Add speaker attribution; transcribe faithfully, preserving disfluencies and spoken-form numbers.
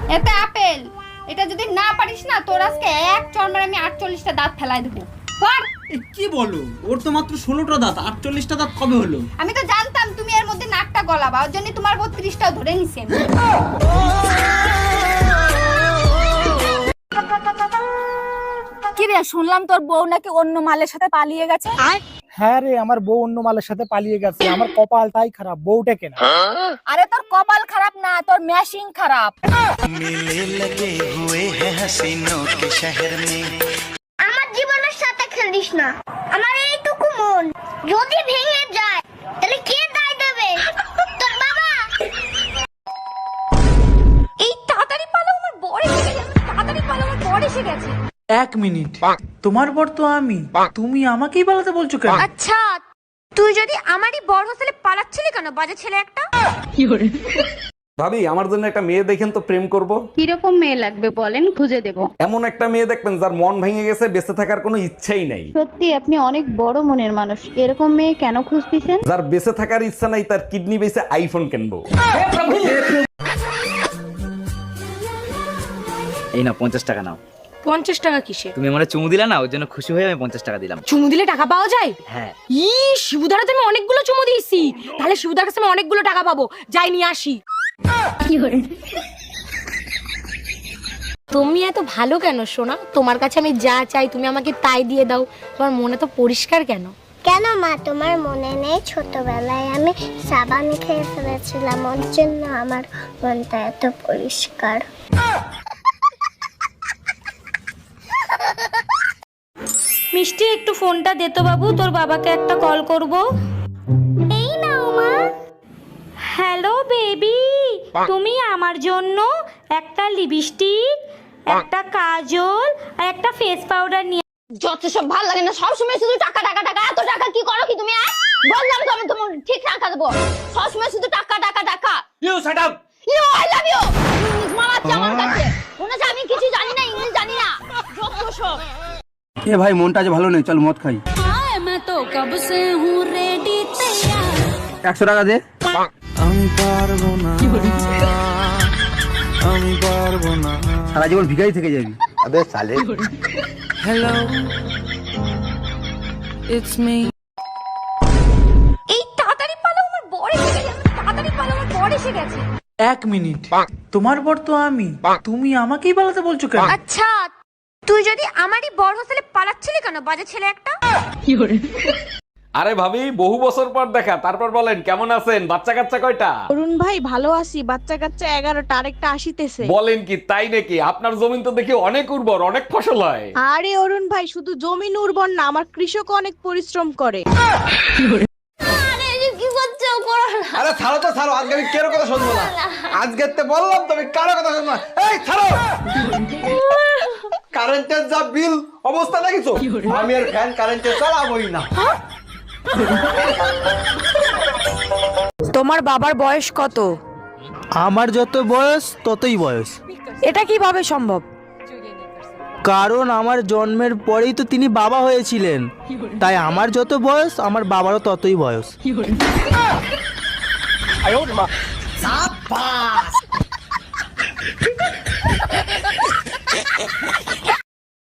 Speaker 1: এতে আপেল, এটা যদি না পারিস না তোর আজকে এক চড়মের আমি আটচল্লিশটা দাঁত ফেলাই দেবো। পড়।
Speaker 2: কি বলো, ওর তো মাত্র ষোলোটা দাঁত, আটচল্লিশটা দাঁত কবে হলো?
Speaker 1: আমি তো জানতাম তুমি এর মধ্যে নাকটা গলাবা, ওর জন্য তোমার বত্রিশটাও ধরে নিছি আমি।
Speaker 3: কি রে, শুনলাম তোর বউ নাকি অন্য মালের সাথে পালিয়ে গেছে।
Speaker 4: হ্যাঁ রে, আমার বউ অন্য মালের সাথে পালিয়ে গেছে। আমার কপালটাই খারাপ, বউটা কেনা।
Speaker 3: আরে তোর কপাল খারাপ না, তোর ম্যাশিং খারাপ।
Speaker 5: मिलने लगे हुए हैं हसीनों के शहर में।
Speaker 6: আমার জীবনের সাথে খেলিস না, আমার এইটুকু মন যদি ভেঙে যায় তাহলে কে দায় দেবে? তোর বাবা।
Speaker 3: এই তাড়াতাড়ি পালো, আমার বর এসে গেছে। তাড়াতাড়ি পালো, আমার বর এসে গেছে।
Speaker 7: এক মিনিট, তোমার বর তো আমি, তুমি আমাকেই পালাতে বলছো কেন?
Speaker 6: আচ্ছা, তুই যদি আমারই বড় হোস্টেলে পালাচ্ছিলি কেন, বাজে ছেলে একটা?
Speaker 8: ভাবি, আমার জন্য একটা মেয়ে দেখেন তো, প্রেম করব।
Speaker 1: কিরকম মেয়ে লাগবে বলেন, খুঁজে দেব।
Speaker 8: এমন একটা মেয়ে দেখবেন যার মন ভেঙে গেছে, বেঁচে থাকার কোনো ইচ্ছাই নাই।
Speaker 1: সত্যি আপনি অনেক বড় মনের মানুষ, এরকম মেয়ে কেন খুঁজতেছেন?
Speaker 8: যার বেঁচে থাকার ইচ্ছা নাই, তার কিডনি বেঁচে আইফোন কিনবো।
Speaker 9: এই নাও পঞ্চাশ টাকা নাও।
Speaker 3: পঞ্চাশ টাকা কিসে?
Speaker 9: তুমি আমার চুমু দিলা না, ওর জন্য খুশি হয়ে আমি পঞ্চাশ টাকা দিলাম।
Speaker 3: চুমু দিলে টাকা পাওয়া যায়?
Speaker 9: হ্যাঁ।
Speaker 3: ই শিবুদার তো আমি অনেকগুলো চুমু দিয়েছি, তাহলে শিবুদার কাছে আমি অনেকগুলো টাকা পাবো। যাই নিয়ে আসি। তুমি এত ভালো কেন সোনা? তোমার কাছে আমি যা চাই তুমি আমাকে তাই দিয়ে দাও। তোমার মনে তো পরিষ্কার কেন?
Speaker 6: কেন মা, তোমার মনে নেই ছোটবেলায় আমি সাবান খেয়ে ফেলেছিলাম, ওর জন্য আমার মনটা এত পরিষ্কার।
Speaker 3: মিষ্টি, একটু ফোনটা দে তো বাবু, তোর বাবাকে একটা কল করব।
Speaker 6: এই নাও মা।
Speaker 3: হ্যালো বেবি, তুমি আমার জন্য একটা লিপস্টিক, একটা কাজল আর একটা ফেস পাউডার নিয়ে।
Speaker 1: যত সব ভালো লাগে না, সবসময় শুধু টাকা টাকা টাকা। এত টাকা কি করো কি তুমি? বললাম তো আমি তোমার ঠিক টাকা দেবো, সবসময় শুধু টাকা টাকা টাকা।
Speaker 2: You shut up.
Speaker 1: You I love you. English মারাচ্ছে আমার কাছে, মনে হচ্ছে আমি কিছু জানি না, ইংলিশ জানি না। যত সব।
Speaker 2: এ ভাই, মনটা আজ ভালো নেই, চল মদ খাই। একশো টাকা দে।
Speaker 5: আমি পারবো না, আমি পারবো না।
Speaker 2: সারা জীবন ভিখারি থেকে যাবি।
Speaker 5: अबे साले। Hello, it's me.
Speaker 3: এই তাড়াতাড়ি পালো, আমার বর এসে গেছে। তাড়াতাড়ি পালো, আমার বর এসে গেছে।
Speaker 7: এক মিনিট, তোমার বর তো আমি, তুমি আমাকেই পালাতে বলছো কেন?
Speaker 6: আচ্ছা, তুই যদি আমারই বড় হোস্টেলে পালাচ্ছিলি কেন, বাজে ছেলে একটা?
Speaker 8: আরে ভাবি, বহু বছর পর দেখা, তারপর বলেন কেমন আছেন? বাচ্চা কাচ্চা কয়টা?
Speaker 3: অরুণ ভাই ভালো আছি, বাচ্চা কাচ্চা এগারোটা, আরেকটা আসিতেছে।
Speaker 8: বলেন কি, তাই নাকি? আপনার জমিন তো দেখি অনেক উর্বর, অনেক ফসল হয়।
Speaker 3: আরে অরুণ ভাই, শুধু জমিন উর্বর না, আমার কৃষক অনেক পরিশ্রম করে।
Speaker 2: আরে ছাড়ো তো ছাড়ো, আজকে আমি কারো কথা শুনবো না। আজকে তো বললাম তুমি কারো কথা শুনবো না। এই ছাড়ো। কারেন্টের যা বিল অবস্থা দেখিছো, আমি আর ফ্যান কারেন্টে চালাবোই না।
Speaker 3: তোমার বাবার বয়স কত?
Speaker 4: আমার যত বয়স ততই বয়স।
Speaker 3: এটা কিভাবে সম্ভব?
Speaker 4: কারণ আমার জন্মের পরেই তো তিনি বাবা হয়েছিলেন, তাই আমার যত বয়স আমার বাবারও ততই বয়স।